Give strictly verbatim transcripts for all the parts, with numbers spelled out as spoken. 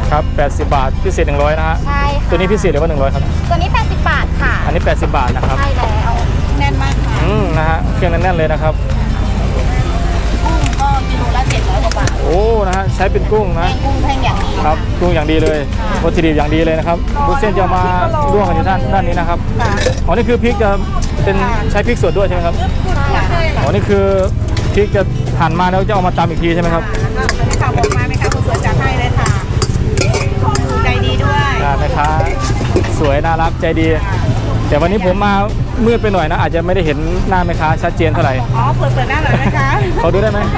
ครับแปดสิบบาทพิเศษหนึ่งร้อยนะฮะใช่ค่ะตัวนี้พิเศษหรือว่าหนึ่งร้อยครับตัวนี้แปดสิบบาทค่ะอันนี้แปดสิบบาทนะครับใช่แล้วแน่นมากค่ะอืมนะฮะเครื่องแน่นๆเลยนะครับกุ้งก็กิโลละเจ็ดร้อยกว่าบาทโอ้นะฮะใช้เป็นกุ้งนะกุ้งแพงอย่างดีครับกุ้งอย่างดีเลยวัตถุดิบอย่างดีเลยนะครับบุญเส้นจะมาร่วงกันอยู่ด้านด้านนี้นะครับอ๋อนี่คือพริกจะเป็นใช้พริกสดด้วยใช่ไหมครับอ๋อนี่คือพริกจะหั่นมาแล้วจะเอามาตำอีกทีใช่ไหมครับข่าวบอกมาไหมคะคุณสวยจัดให้เลยค่ะใจดีด้วยแม่ค้าสวยน่ารักใจดีแต่วันนี้ผมมามืดไปหน่อยนะอาจจะไม่ได้เห็นหน้าแม่ค้าชัดเจนเท่าไหร่อ๋อเปิดเปิดหน้าหน่อยนะคะเขาดูได้ไหม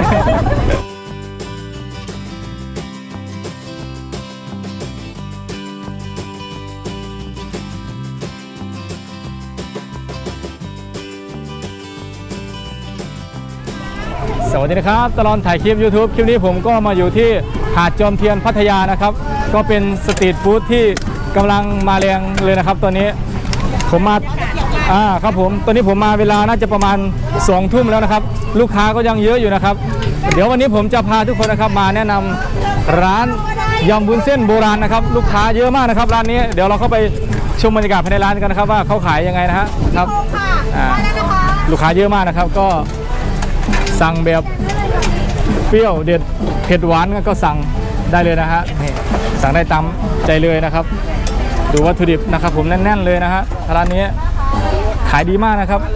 สวัสดีนะครับตลอดถ่ายคลิป YouTube คลิปนี้ผมก็มาอยู่ที่หาดจอมเทียนพัทยานะครับก็เป็นสตรีทฟู้ดที่กำลังมาแรงเลยนะครับตอนนี้ผมมาอ่าครับผมตอนนี้ผมมาเวลาน่าจะประมาณสองทุ่มแล้วนะครับลูกค้าก็ยังเยอะอยู่นะครับเดี๋ยววันนี้ผมจะพาทุกคนนะครับมาแนะนำร้านยำวุ้นเส้นโบราณนะครับลูกค้าเยอะมากนะครับร้านนี้เดี๋ยวเราเข้าไปชมบรรยากาศภายในร้านกันนะครับว่าเขาขายยังไงนะฮะครับลูกค้าเยอะมากนะครับก็สั่งแบบเปรี้ยวเด็ดเผ็ดหวานก็สั่งได้เลยนะฮะนี่สั่งได้ตามใจเลยนะครับดูวัตถุดิบนะครับผมแน่นๆเลยนะฮะร้านนี้ขายดีมากนะครับ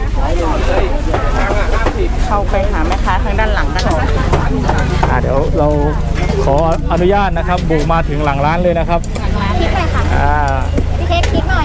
เข้าไปหาแม่ค้าทางด้านหลังกันอ่าเดี๋ยวเราขออนุญาตนะครับบุกมาถึงหลังร้านเลยนะครับพริกเลยค่ะอ่าพี่เค้กพริกหน่อย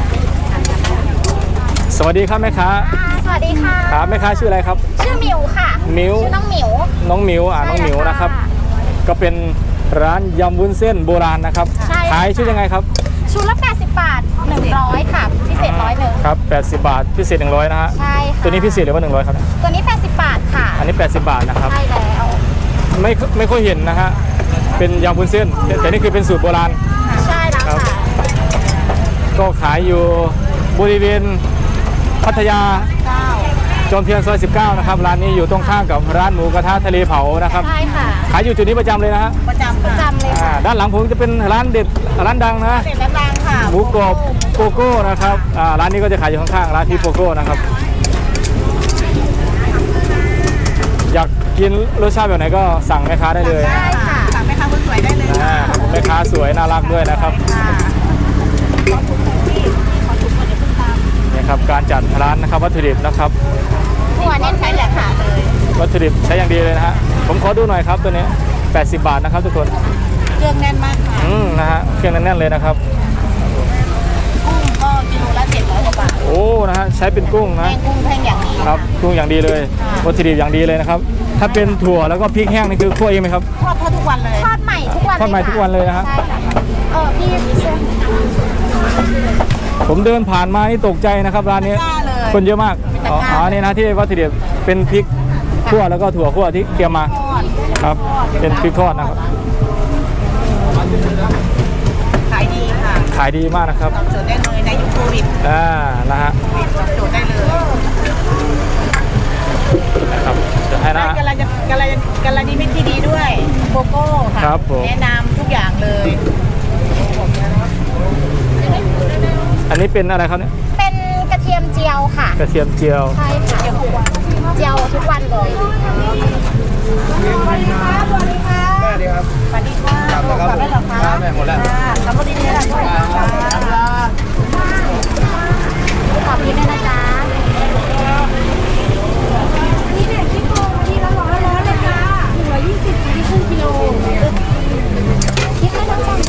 สวัสดีครับแม่ค้าสวัสดีค่ะครับแม่ค้าชื่ออะไรครับชื่อมิวค่ะมิวชื่อน้องมิวน้องมิวอ่าน้องมิวนะครับก็เป็นร้านยำวุ้นเส้นโบราณนะครับขายชุดยังไงครับชุดละแปดสิบบาทหนึ่งร้อยค่ะพิเศษร้อยหนึ่งครับแปดสิบบาทพิเศษหนึ่งร้อยนะฮะใช่ค่ะตัวนี้พิเศษหรือว่าหนึ่งร้อยครับตัวนี้แปดสิบบาทค่ะอันนี้แปดสิบบาทนะครับใช่แล้วไม่ไม่ค่อยเห็นนะฮะเป็นยำวุ้นเส้นแต่นี่คือเป็นสูตรโบราณใช่แล้วค่ะก็ขายอยู่บริเวณพัทยาจอมเทียนซอยสิบเก้านะครับร้านนี้อยู่ตรงข้ามกับร้านหมูกระทะทะเลเผานะครับใช่ค่ะขายอยู่จุดนี้ประจำเลยนะฮะประจำประจำเลยค่ะด้านหลังผมจะเป็นร้านเด็ดร้านดังนะเด็ดดังค่ะหมูกรอบโกโก้นะครับร้านนี้ก็จะขายอยู่ข้างๆร้านที่โกโก้นะครับอยากกินรสชาติแบบไหนก็สั่งแม่ค้าได้เลยได้ค่ะสั่งแม่ค้าคนสวยได้เลยแม่ค้าสวยน่ารักด้วยนะครับนี่ครับการจัดร้านนะครับวัตถุดิบนะครับหัวเน้นใช้แหละค่ะเลยวัตถุดิบใช้อย่างดีเลยนะฮะผมขอดูหน่อยครับตัวนี้แปดสิบบาทนะครับทุกคนเครื่องแน่นมากค่ะอืมนะฮะเครื่องแน่นๆเลยนะครับกุ้งก็กิโลละเจ็ดร้อยกว่าบาทโอ้นะฮะใช้เป็นกุ้งนะกุ้งแพงอย่างดีครับกุ้งอย่างดีเลยวัตถุดิบอย่างดีเลยนะครับถ้าเป็นถั่วแล้วก็พริกแห้งนี่คือคั่วเองไหมครับทอดทุกวันเลยทอดใหม่ทุกวันทอดใหม่ทุกวันเลยนะฮะเออพี่ผมเดินผ่านมานี่ตกใจนะครับร้านนี้คนเยอะมากอ๋อนี่นะที่วัตถุดิบเป็นพริกคั่วแล้วก็ถั่วคั่วที่เตรียมมาครับเป็นพริกทอดนะครับขายดีค่ะขายดีมากนะครับตอบโจทย์ได้เลยในยุคโควิดอ่านะฮะตอบโจทย์ได้เลยนะครับจะให้นะกาลจะกาลกาลนิมิตที่ดีด้วยโกโก้ค่ะแนะนำทุกอย่างเลยอันนี้เป็นอะไรครับเนี่ยเป็นกระเทียมเจียวค่ะกระเทียมเจียวใช่ค่ะเจียวทุกวันเลยสวัสดีค่ะสวัสดีค่ะสวัสดีครับสวัสดีค่ะกลับแล้วเหรอคะแม่หมดแล้วกลับมาดีๆนะจ๊ะขอบคุณด้วยนะจ๊ะนี่เนี่ยคิดโกงทีละร้อยร้อยเลยค่ะหนึ่งร้อยยี่สิบที่ครึ่งกิโลคิดให้น้องจัง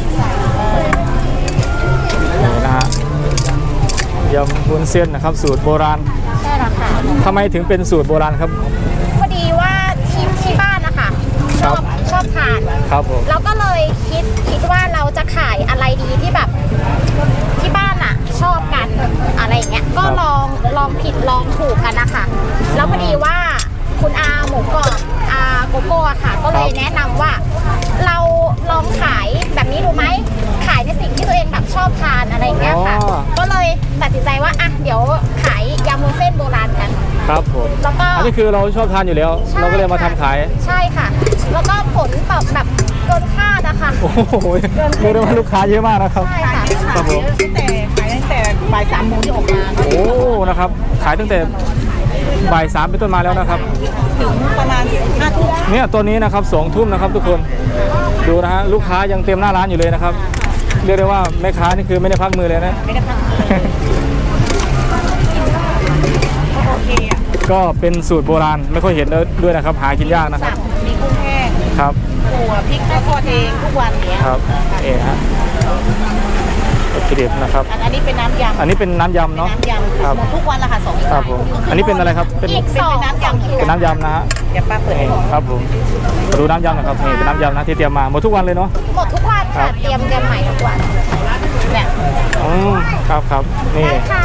นี่นะฮะยำวุ้นเส้นนะครับสูตรโบราณใช่แล้วค่ะทำไมถึงเป็นสูตรโบราณครับพอดีว่าที่ที่บ้านนะคะชอบชอบทานครับผมเราก็เลยคิดคิดว่าเราจะขายอะไรดีที่แบบที่บ้านอ่ะชอบกันอะไรอย่างเงี้ยก็ลองลองผิดลองถูกกันนะคะแล้วพอดีว่าคุณอาหมูกรอบอาโกโก้ค่ะก็เลยแนะนำว่าเราลองขายแบบนี้ดูไหมขายในสิ่งที่ตัวเองแบบชอบทานอะไรอย่างเงี้ยค่ะก็เลยตัดสินใจว่าอ่ะเดี๋ยวขายยำวุ้นเส้นโบราณกันครับผมแล้วก็อันนี้คือเราชอบทานอยู่แล้วใช่เราก็เลยมาทำค่ะขายใช่ค่ะ แล้วก็ผลตอบแบบเกินคาดอะค่ะโอ้โหเรียกได้ว่าลูกค้าเยอะมากนะครับใช่ค่ะครับผมตั้งแต่ขายตั้งแต่บ่ายสามโมงที่ออกมาก็โอ้นะครับ ขายตั้งแต่บ่ายสามเป็นต้นมาแล้วนะครับถึงประมาณห้าทุ่มเนี่ยตัวนี้นะครับสองทุ่มนะครับทุกคนดูนะฮะลูกค้ายังเต็มหน้าร้านอยู่เลยนะครับ เรียกได้ว่าแม่ค้านี่คือไม่ได้พักมือเลยนะไม่ได้พักก็โอเคอ่ะก็เป็นสูตรโบราณไม่ค่อยเห็นด้วยนะครับ หากินยากนะคสัรับบมีกุ้งแห้งครับถั่วพริกก็ทอดเองทุกวันเนี้ยครับเอ๋ฮะวัตถุดิบนะครับอันอันนี้เป็นน้ำยำอันนี้เป็นน้ำยำเป็นเนาะน้ำยำครับหมดทุกวันละค่ะสองครับผมอันนี้เป็นอะไรครับเป็นอีกสองเป็นน้ำยำเป็นน้ำยำนะฮะเดี๋ยวป้าเปิดให้นี่ดูครับผมมาดูน้ำยำนะครับนี่เป็นน้ำยำนะที่เตรียมมาหมดทุกวันเลยเนาะหมดทุกวันครัค่ะบเตรียมเตรียมใหม่ทุกวันเนี่ยอืมครับครับนี่ได้ค่ะ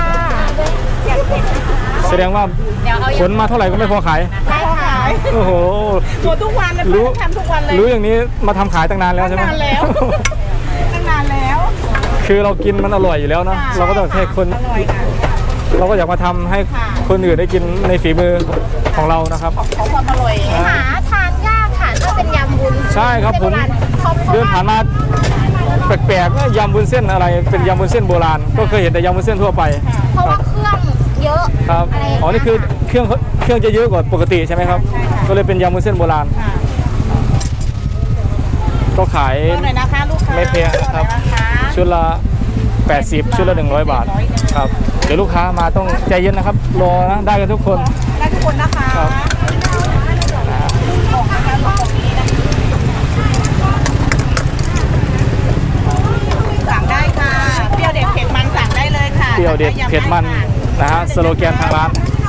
แสดงว่าเดี๋ยวเอาขนมาเท่าไหร่ก็ไม่พอขายได้ค่ะโอ้โหหมดทุกวันเลยรู้ป้าทำทุกวันเลยรู้อย่างนี้มาทำขายตั้งนานแล้วใช่ไหมตั้งนานแล้ว ตั้งนานแล้วคือเรากินมันอร่อยอยู่แล้วเนาะค่ะเราก็ต้องให้คนอร่อยค่ะเราก็อยากมาทำให้ค่ะคนอื่นได้กินในฝีมือของเรานะครับของความอร่อยอ่าหาทานยากค่ะถ้าเป็นยำวุ้นใช่ครับผมเพราะเพราะเดินว่าผ่านมาแปลกๆว่ายำวุ้นเส้นอะไรเป็นยำวุ้นเส้นโบราณก็เคยเห็นแต่ยำวุ้นเส้นทั่วไปเพราะว่าเครื่องเยอะครับะไรย่างเงี้ยอ๋อนี่คือเครื่องเครื่องจะเยอะกว่าปกติใช่ไหมครับ ก็เลยเป็นยำวุ้นเส้นโบราณค่ะก็ขายรอหน่อยนะคะลูกค้าไม่แพงครับอหน่อยนะคะชุดละ แปดสิบ ชุดละ หนึ่งร้อย บาทครับเดี๋ยวลูกค้ามาต้องใจเย็นนะครับรอนะได้กันทุกคนได้ทุกคนนะคะครับของนะคะของนี้นะสั่งได้ค่ะเปรี้ยวเด็ดเผ็ดมันสั่งได้เลยค่ะเปรี้ยวเด็ดเผ็ดมันนะฮะสโลแกนทางร้าน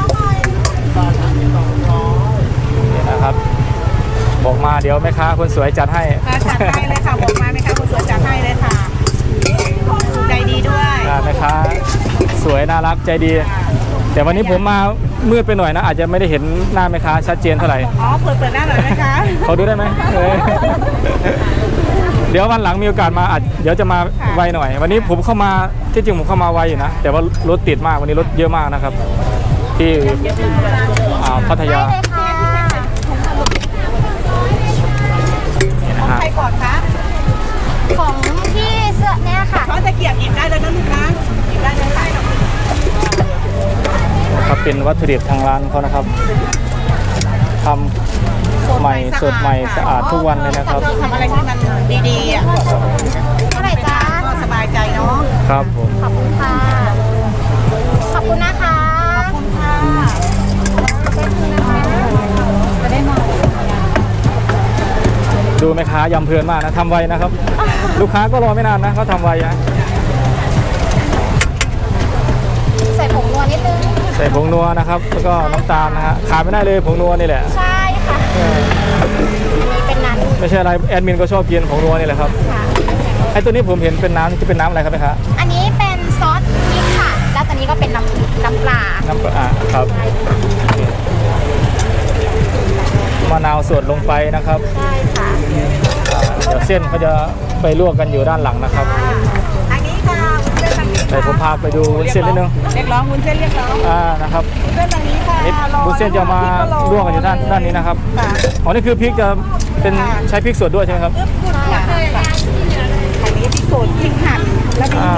นี่นะครับบอกมาเดี๋ยวแม่ค้าคนสวยจัดให้ค่ะจัดให้เลยค่ะบอกมาไหมคะคุณสวยจัดให้เลยค่ะใจดีด้วยอ่าแม่ค้าสวยน่ารักใจดี แต่วันนี้ผมมามืดไปหน่อยนะ อาจจะไม่ได้เห็นหน้าแม่ค้าชัดเจนเท่าไหร่อ๋อเปิดเปิดหน้าหน่อยไหมคะเขาดูได้ไหมเออเดี๋ยววันหลังมีโอกาสมาอาจเดี๋ยวจะมาไวหน่อย วันนี้ผมเข้ามาที่จริงผมเข้ามาไวอยู่นะ แต่ว่ารถติดมากวันนี้รถเยอะมากนะครับ ที่อ่าพัทได้ยาเลยค่ะนี่นะฮะใครก่อนคะของพี่เสื้อเนี่ยค่ะเขาจะเกียบหยิบได้เลยนะลูกนะหยิบได้เลยค่ะครับเป็นวัตถุดิบทางร้านเขานะครับทำใหม่สดใหม่สะอาดทุกวันเลยนะครับทำอะไรที่มันดีๆอ่ะเท่าไหร่จ๊ะก็สบายใจเนาะครับผมขอบคุณค่ะ ขอบคุณนะคะขอบคุณค่ะจะได้มาดูแม่ค้ายำเพลินมากนะทำไวนะครับ ลูกค้าก็รอไม่นานนะเขาทำไวนะใส่ผงนัวนิดนึงใส่ผงนัวนะครับแล้วก็น้ำตาลนะฮะขาดไม่ได้เลยผงนัวนี่แหละใช่ค่ะเออมีเป็นนั้นไม่ใช่อะไรแอดมินก็ชอบกินผงนัวนี่แหละครับค่ะไอ้ตัวนี้ผมเห็นเป็นน้ำจะเป็นน้ำอะไรครับแม่ค้าอันนี้เป็นซอสพริกค่ะ แล้วตอนนี้ก็เป็นน้ำน้ำปลาน้ำปลาอ่ะครับมะนาวสดลงไปนะครับใช่ค่ะอ่าเดี๋ยวเส้นเขาจะไปลวกกันอยู่ด้านหลังนะครับทางนี้ค่ะวุ้นเส้นทางนี้แต่ค่ะผมพาไปดูวุ้นเส้นนิดนึงเรียกร้องวุ้นเส้นเรียกร้องอ่านะครับวุ้นเส้นทางนี้ค่ะนี่รอวุ้นเส้นจะมาลวกกันอยู่ด้านด้านนี้นะครับค่ะอ๋อนี่คือพริกจะเป็นใช้พริกสดด้วยใช่ไหมครับอึ๊บขึ้นค่ะค่ะทางนี้พริกสดพริกหั่นแล้วมีอ่า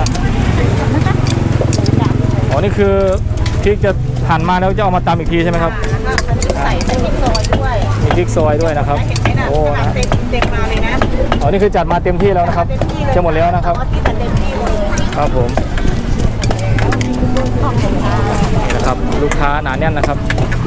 อ๋อนี่คือพริกจะหั่นมาแล้วจะเอามาตำอีกทีใช่ไหมครับใส่เส้นพริกซอยด้วยมีพริกซอยด้วยนะครับเห็นไหมน่ะโอ้ขนาดนะเต็มเต็มมาเลยนะอ๋อนี่คือจัดมาเต็มที่แล้วนะครับเต็มที่เลยจะหมดแล้วนะครับเอาที่แต่เต็มที่เลยครับผมนี่นะครับลูกค้าหนาแน่นนะครับ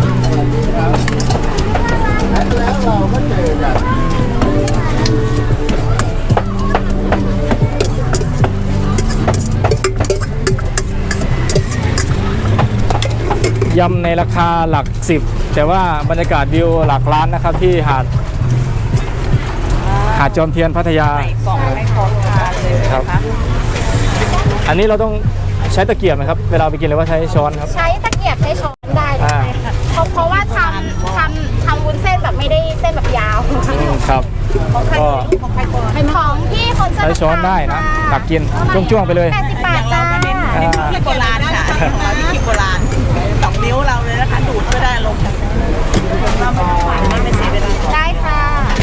ยำในราคาหลักสิบแต่ว่าบรรยากาศวิวหลักล้านนะครับที่หาดหาดจอมเทียนพัทยาใส่กล่องให้พร้อมทานเลยครับนะคะอันนี้เราต้องใช้ตะเกียบไหมครับเวลาไปกินหรือว่าใช้ช้อนครับใช้ตะเกียบใช้ช้อนได้เลอ่ายค่ะเพราะเพราะว่าทำทำทำวุ้นเส้นแบบไม่ได้เส้นแบบยาวอืมครับของใครก็ของใครก่อนเป็นของพี่คนเสื้ใช้ช้อนได้นะตักกินจ้วงๆไปเลยแปดสิบบาทจ้าอ่าพริกโบราณค่ะของเราที่พริกโบราณสองนิ้วเราเลยนะคะดูดก็ได้ลงจากเราไม่ต้องหวานมากไม่เสียเวลาได้ค่ะ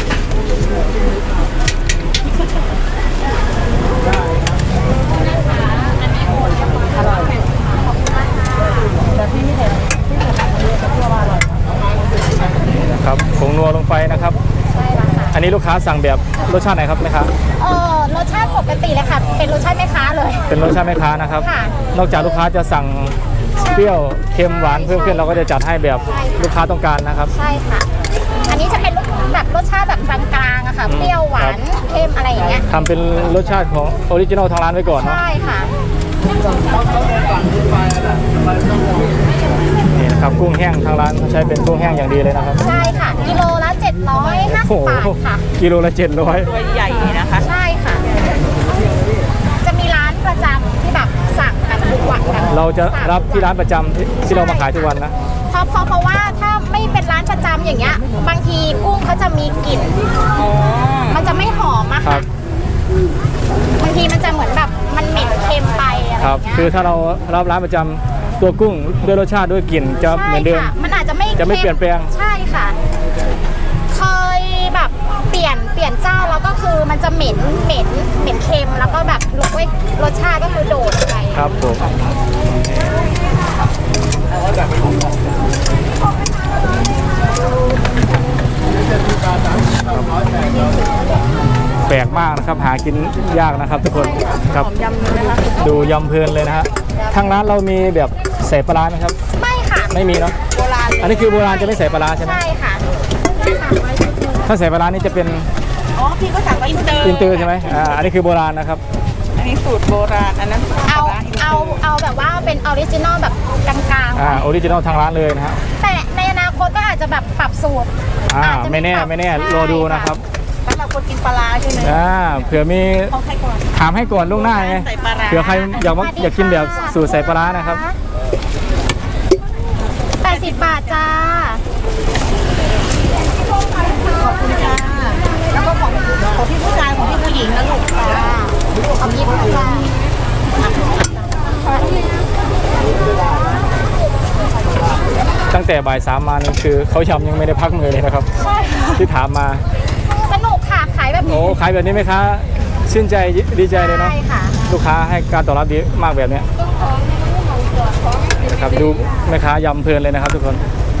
ครับผงนัวลงไปนะครับใช่แล้วค่ะอันนี้ลูกค้าสั่งแบบรสชาติไหนครับแม่ค้าเออรสชาติปกติเลยค่ะ เป็นรสชาติแม่ค้าเลยเป็นรสชาติแม่ค้านะครับค่ะนอกจากลูกค้าจะสั่งเปรี้ยวเค็มหวานเพิ่มขึ้นเราก็จะจัดให้แบบลูกค้าต้องการนะครับใช่ค่ะ อันนี้จะเป็นรสแบบรสชาติแบบกลางๆอะค่ะ เปรี้ยวหวานเค็มอะไรอย่างเงี้ยทำเป็นรสชาติของออริจินอลทางร้านไว้ก่อนเนาะใช่ค่ะนี่นะครับกุ้งแห้งทางร้านเขาใช้เป็นกุ้งแห้งอย่างดีเลยนะครับใช่ค่ะ กิโลละเจ็ดร้อยห้าสิบบาทค่ะกิโลละเจ็ดร้อยตัวใหญ่นะคะใช่ค่ะ จะมีร้านประจำที่แบบสั่งกันทุกวันกันเราจะรับที่ร้านประจำที่ที่เรามาขายทุกวันนะเพราะเพราะเพราะว่าถ้าไม่เป็นร้านประจำอย่างเงี้ย บางทีกุ้งเขาจะมีกลิ่น มันจะไม่หอมอะครัค่ะบบางทีมันจะเหมือนแบบมันเหม็นเค็มไปอะไรอครับย่างเงี้ยคือถ้าเรารับร้านประจำตัวกุ้งด้วยรสชาติด้วยกลิ่นจะเหมือนเดิมใช่ค่ะมันอาจจะไม่จะไม่เปลี่ยนแปลงใช่ค่ะ เคยแบบเปลี่ยนเปลี่ยนเจ้าแล้วก็คือมันจะเหม็นเหม็นเหม็นเค็มแล้วก็แบบรสรสชาติก็คือโดดไปครับผมแปลกมากนะครับหากินยากนะครับทุกคนครับหอมยำเลยนะคะดูยำเพลินเลยนะฮะทางร้านเรามีแบบใส่ปลาร้าไหมครับไม่ค่ะไม่มีเนาะโบราณอันนี้คือโบราณจะไม่ใส่ปลาร้าใช่ไหมใช่ค่ะถ้าใส่ปลาร้านี่จะเป็นอ๋อพี่ก็สั่งไว้อินเตอร์อินเตอร์ใช่ไหมอ่าอันนี้คือโบราณนะครับอันนี้สูตรโบราณอันนั้นเอาปลร้นตเอาร์เอาแบบว่าเป็นออริจินอลแบบกลางอ่าออริจินอลทางร้านเลยนะฮะๆ แต่ในอนาคตก็อาจจะแบบปรับสูตรอ่าอาจจะไม่แน่ปรับไม่แน่ใช่รอดูนะครับสำหรับคนกินปลาร้าใช่ไหมอ่าเผื่อมีเขาให้ก่อนถามให้ก่อนล่วงหน้าไงใส่ปลาร้าเผื่อใครอยากว่าอยากกินแบบสูตรใส่ปลาร้านะครับแปดสิบบาทจ้าขอบคุณจ้าแล้วก็ของของพี่ผู้ชายของพี่ผู้หญิงนะลูกจ้าเอายิบจ้าตั้งแต่บ่ายสามมานี่คือเขายำยังไม่ได้พักมือเลยนะครับใช่ที่ถามมาสนุกค่ะขายแบบโอ้นี้ขายแบบนี้ไหมคะชื่นใจดีใจเลยเนาะใช่ค่ะลูกค้าให้การตอบรับดีมากแบบเนี้ยนะครับดูแม่ค้ายำเพลินเลยนะครับทุกคน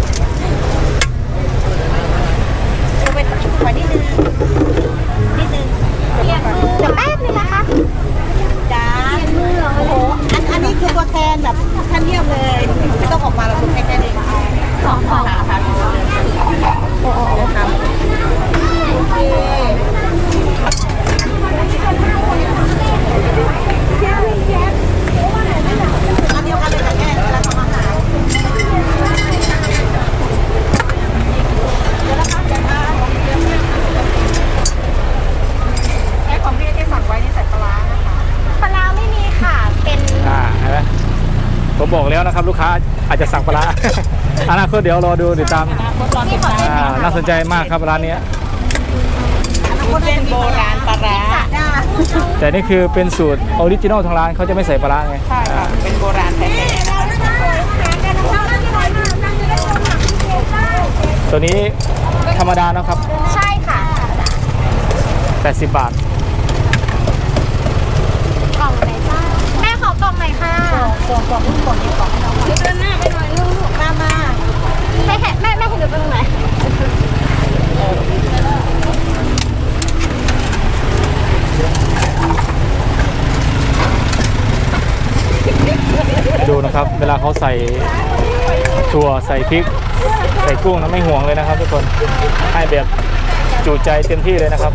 เอาไปขอนิดนึงนิดนึงเดี๋ยวแป๊บนึงนะคะจ้าโอ้โหอันอันนี้คือตัวแทนแบบท่านเยี่ยมเลยไม่ต้องออกมาเราคุณแค่แค่นี้สองสองค่ะค่ะโอ้โหครับโอเคอันเดียวกันเลยค่ะแม่เวลาทำอาหารแม่ของพี่ที่สั่งไว้นี่ใส่ปลาร้านะคะปลาร้าไม่มีค่ะ เป็นอ่าเห็นไหมผมบอกแล้วนะครับ ลูกค้าอาจจะสั่งปลาร้า อนาคตเดี๋ยวรอดูติดตามนี่ขอเส้นอ่าน่าสนใจมากครับร้านนี้คนเป็นโบราณปลาร้าแต่นี่คือเป็นสูตรออริจินอลทางร้านเขาจะไม่ใส่ปลาร้าไงใช่ค่ะเป็นโบราณแท้ๆนะคะตัวนี้ธรรมดานะครับใช่ค่ะแปดสิบบาทกล่องไหนจ้าแม่ขอกล่องหน่อยค่ะกล่องกล่องกล่องนี้กล่องให้น้องเดินหน้าไปหน่อยลูกมามาแม่แม่แม่แม่เห็นหนูเป็นตรงไหนดูนะครับ เวลาเขาใส่ถั่วใส่พริก ใส่กุ้งนะไม่ห่วงเลยนะครับทุกคนให้แบบจูใจเต็มที่เลยนะครับ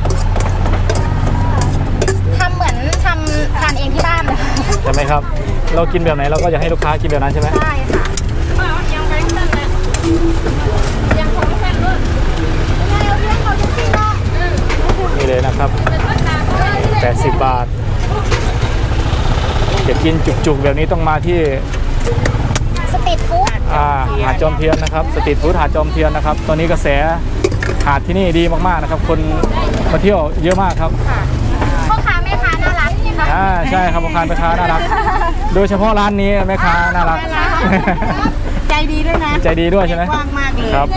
ทำเหมือนทำทานเองที่บ้านเลยใช่ไหมครับ เรากินแบบไหนเราก็อยากให้ลูกค้ากินแบบนั้นใช่ไหมใช่ค่ะยังไปเส้นเลยยังของเส้นด้วยยังเอาเรื่องเขาจริงๆเนาะนี่เลยนะครับแปดสิบบาทอยากกินจุกๆแบบนี้ต้องมาที่สตรีทฟู้ดอ่าหาดจอมเทียนนะครับสตรีทฟู้ดหาดจอมเทียนนะครับตอนนี้กระแสหาดที่นี่ดีมากๆนะครับ คนมาเที่ยวเยอะมากครับค่ะพ่อค้าแม่ค้าน่ารักค่ะอ่าใช่ครับพ่อค้าแม่ค้าน่ารัก โดยเฉพาะร้านนี้แม่ค้าน่ารักใจดีด้วยนะใจดีด้วยใช่ไหมกว้างมากเลยครับผม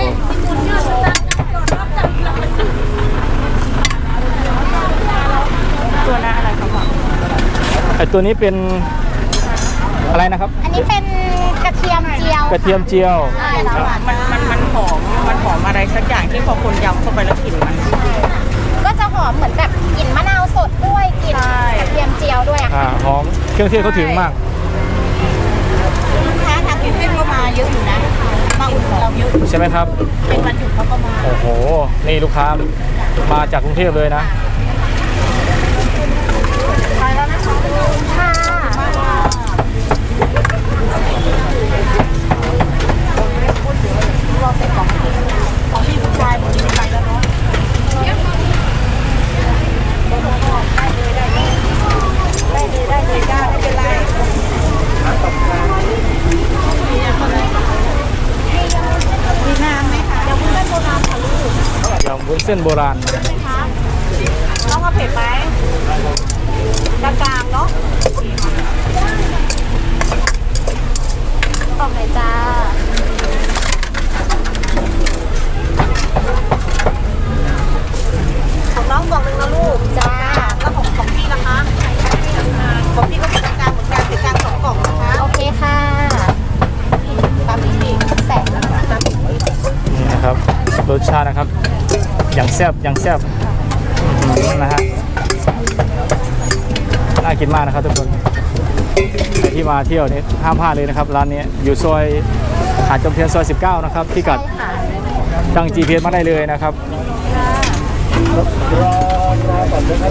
ตัวละอะไรครับพ่อไอตัวนี้เป็นอะไรนะครับอันนี้เป็นกระเทียมเจียวกระเทียมเจียวใช่แล้วค่ะมันมันมันหอมมันหอมอะไรสักอย่างที่พอคนยำเข้าไปแล้วกลิ่นมันก็จะหอมเหมือนแบบกลิ่นมะนาวสดด้วยกลิ่นใช่กระเทียมเจียวด้วยอะอ่าค่ะหอมเครื่องเทศเขาถึงมากลูกค้าทางกรุงเทพก็มาเยอะอยู่นะมาอุดหนุนเราเยอะใช่ไหมครับเป็นวันหยุดเขาก็มาโอ้โห นี่ลูกค้ามาจากกรุงเทพเลยนะไปแล้วนะคะค่ะรอเสร็จของพี่ของพี่ผู้ชายหมดนี้ไปแล้วเนาะได้เลยได้เลยจ้าไม่เป็นไรมีน้ำไหมคะยังไม่ได้โบราณค่ะลูกอย่างวุ้นเส้นโบราณต้องเอาเผ็ดไหมกลางๆเนาะออกเลยจ้าของน้องกล่องหนึ่งนะลูกจ้าแล้วของของพี่ล่ะคะของพี่ก็เป็นกลางๆเหมือนกันเป็นกลางสองกล่องนะคะโอเคค่ะตามนี้พี่แสนแล้วค่ะนี่นะครับ รสชาตินะครับ อย่างแซ่บอย่างแซ่บอืมนะฮะ น่ากินมากนะครับทุกคน ใครที่มาเที่ยวนี้ห้ามพลาดเลยนะครับ ร้านนี้อยู่ซอยหาดจอมเทียนซอยสิบเก้านะครับที่กัดใช่ค่ะตั้ง จี พี เอส มาได้เลยนะครับรอรอก่อนนะครับ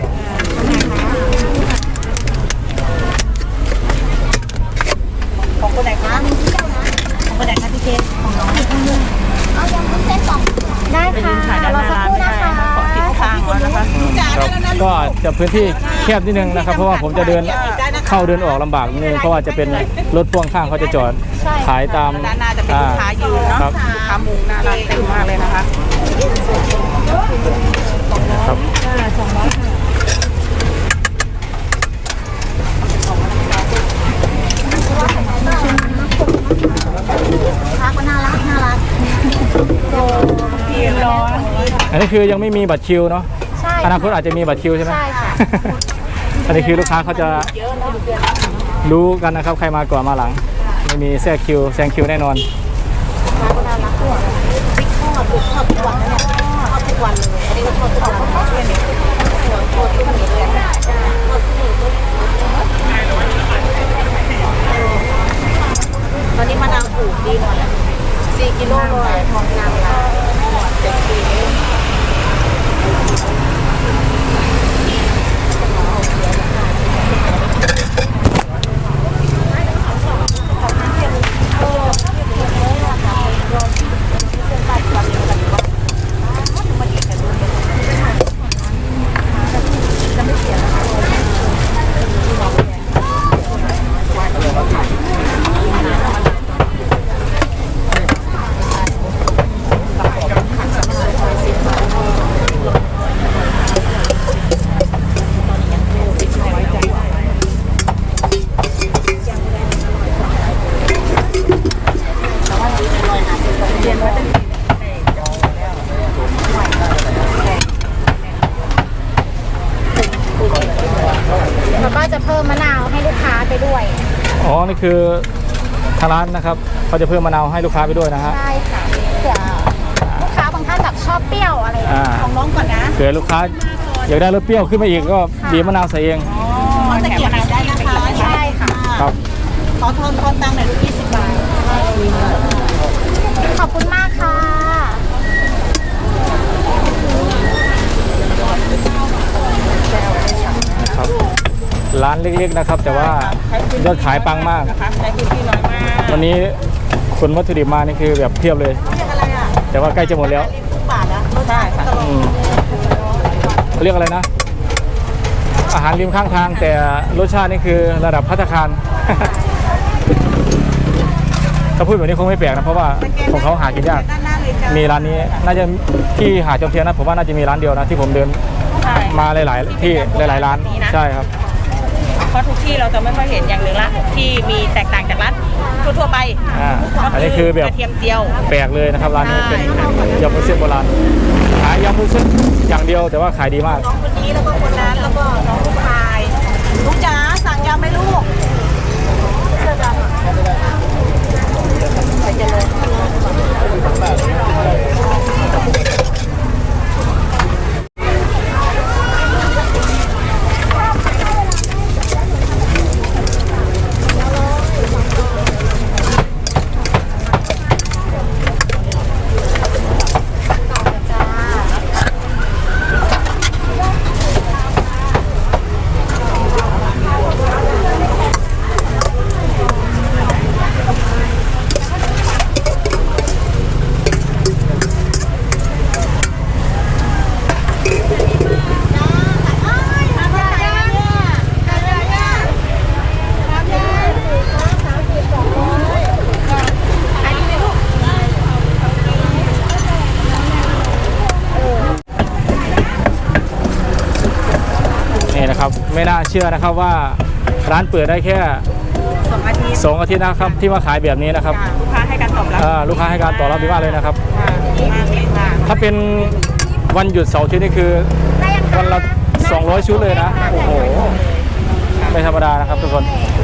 ของคนไหนคะของคนไหนคะพี่เค้กของน้องเอายำวุ้นเส้นสองได้ค่ะรอสักครู่นะคะขอติดทางแล้วนะคะครับก็จะพื้นที่แคบนิดนึงนะครับ เพราะว่าผมจะเดินเข้าเดินออกลำบากนิดนึงเพราะว่าจะเป็นรถพ่วงข้างเขาจะจอดขายตามด้านหน้าจะเป็นลูกค้ายืนเนาะครับลูกค้ามุงหน้าร้านเต็มมากเลยนะคะครับสองร้อยค่ะรักก็น่ารักน่ารักพี่รออันนี้คือยังไม่มีบัตรคิวเนาะใช่อนาคตอาจจะมีบัตรคิวใช่ไหมใช่ค่ะอันนี้คือลูกค้าเขาจะรู้กันนะครับใครมาก่อนมาหลัง ไม่มีแทรกคิวแซงคิวแน่นอนร้านก็น่ารักด้วยพริกทอดพริกทอดทุกวันนะเนี่ยทอดทุกวันเลยอันนี้ก็ทอดทุกวันทอดด้วยเนี่ยทอดทุกวันเลยทอดทุกวันตอนนี้มะนาวถูกดีหน่อยสี่กิโลเลยทองนางละเจ็ดปีแล้วก็จะเพิ่มมะนาวให้ลูกค้าไปด้วยอ๋อ นี่คือทางร้านนะครับเขาจะเพิ่มมะนาวให้ลูกค้าไปด้วยนะฮะใช่ค่ะเผื่อลูกค้าบางท่านแบบชอบเปรี้ยวอะไรอย่างเงี้ยอ่าของน้องก่อนนะเผื่อลูกค้าอยากได้รสเปรี้ยวขึ้นมาอีกก็บีบมะนาวใส่เองอ๋อตะเกียบได้นะคะใช่ค่ะครับขอทอนทอนตังค์หน่อยลูกยี่สิบบาทขอบคุณมากค่ะนะครับ ร้านเล็กๆนะครับ แต่ว่ายอดขายปังมากนะคะใช้พื้นที่น้อยมากวันนี้ขนวัตถุดิบมานี่คือแบบเพียบเลยเรียกอะไรอ่ะแต่ว่าใกล้จะหมดแล้วทุกบาทนะใช่ค่ะอืมเขาเรียกอะไรนะ อาหารริมข้างทาง แต่รสชาตินี่คือระดับภัตตาคาร ถ้าพูดแบบนี้คงไม่แปลกนะเพราะว่าของเขาหากินยากด้านหน้าเลยจ้ะมีร้านนี้น่าจะที่หาดจอมเทียนนะผมว่าน่าจะมีร้านเดียวนะที่ผมเดินใช่มาหลาย ๆ ที่หลาย ๆ ร้านใช่ครับเพราะทุกที่เราจะไม่ค่อยเห็นอย่างหนึ่งละที่มีแตกต่างจากร้านทั่วๆไปอ่าอันนี้คือแบบกระเทียมเจียวแปลกเลยนะครับร้านนี้ใช่เป็นยำวุ้นเส้นโบราณขายยำวุ้นเส้นอย่างเดียวแต่ว่าขายดีมากน้องคนนี้แล้วก็คนนั้นแล้วก็น้องลูกชายลูกจ๋าสั่งยำไหมลูกเสื้อดำอะใส่เจริญนี่นะครับไม่น่าเชื่อนะครับว่าร้านเปิดได้แค่สองอาทิตย์สองอาทิตย์นะครับที่มาขายแบบนี้นะครับค่ะลูกค้าให้การตอบรับอ่าลูกค้าให้การตอบรับดีมากเลยนะครับค่ะดีมากเลยค่ะถ้าเป็นวันหยุดเสาร์อาทิตย์นี่คือวันละสองร้อยชุดเลยนะโอ้โหไม่ธรรมดานะครับทุกคน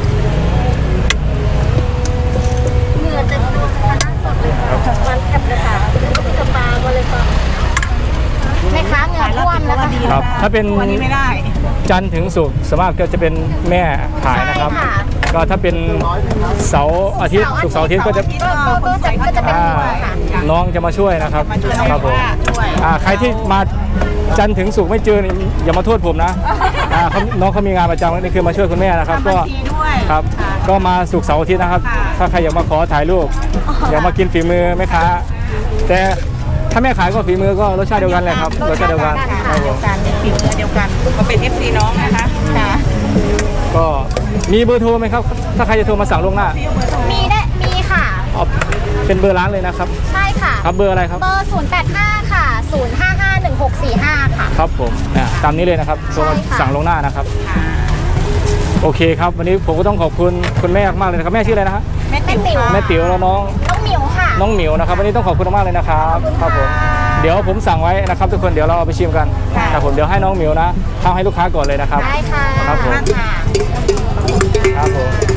เหงื่อเต็มตัวคณะสดเลยค่ะวันแคบเลยค่ะสปาก็เลยค่ะแม่ค้าเหงื่อท่วมแล้วค่ะครับถ้าเป็นวันนี้ไม่ได้จันทร์ถึงศุกร์สวนมากก็จะเป็นแม่ขายนะครับใช่ค่ะก็ถ้าเป็นเสาร์อาทิตย์ศุกร์เสาร์อาทิตย์ก็จะก็ก็ก็จะก็จะเป็นอ่าเหงื่อค่ะน้องจะมาช่วยนะครับมาช่วยครับผมช่วยอ่าใครที่มาจันทร์ถึงศุกร์ไม่เจอนี่อย่ามาโทษผมนะอ่าเขาน้องเขามีงานประจำนี่คือมาช่วยคุณแม่นะครับ ก็ทำบัญชีด้วยครับค่ะก็มาศุกร์เสาร์อาทิตย์นะครับค่ะถ้าใครอยากมาขอถ่ายรูปอยากมากินฝีมือแม่ค้าแต่ถ้าแม่ขายก็ฝีมือก็รสชาติเดียวกันแหละครับรสชาติเดียวกันครับผเดียมวกันฝีมือเดียวกันก็เป็น เอฟ ซี น้องนะคะค่ะก็มีเบอร์โทรไหมครับ ถ้าใครจะโทรมาสั่งล่วงหน้ามีได้มีค่ะเอาเป็นเบอร์ร้านเลยนะครับใช่ค่ะครับเบอร์อะไรครับเบอร์ ศูนย์ แปด ห้า ค่ะ ศูนย์ ห้า ห้า หนึ่ง หก สี่ ห้า ค่ะครับผมอ่าตามนี้เลยนะครับโทรมาใช่ค่ะสั่งล่วงหน้านะครับ โอเคครับ วันนี้ผมก็ต้องขอบคุณคุณแม่มากเลยนะครับแม่ชื่ออะไรนะฮะแม่ติ๋วค่ะแม่ติ๋วแล้วน้องน้องหมิวค่ะน้องหมิวนะครับวันนี้ต้องขอบคุณมากเลยนะครับครับผมเดี๋ยวผมสั่งไว้นะครับทุกคนเดี๋ยวเราเอาไปชิมกันครับผมเดี๋ยวให้น้องหมิวนะทำให้ลูกค้าก่อนเลยนะครับได้ค่ะครับผมค่ะครับผม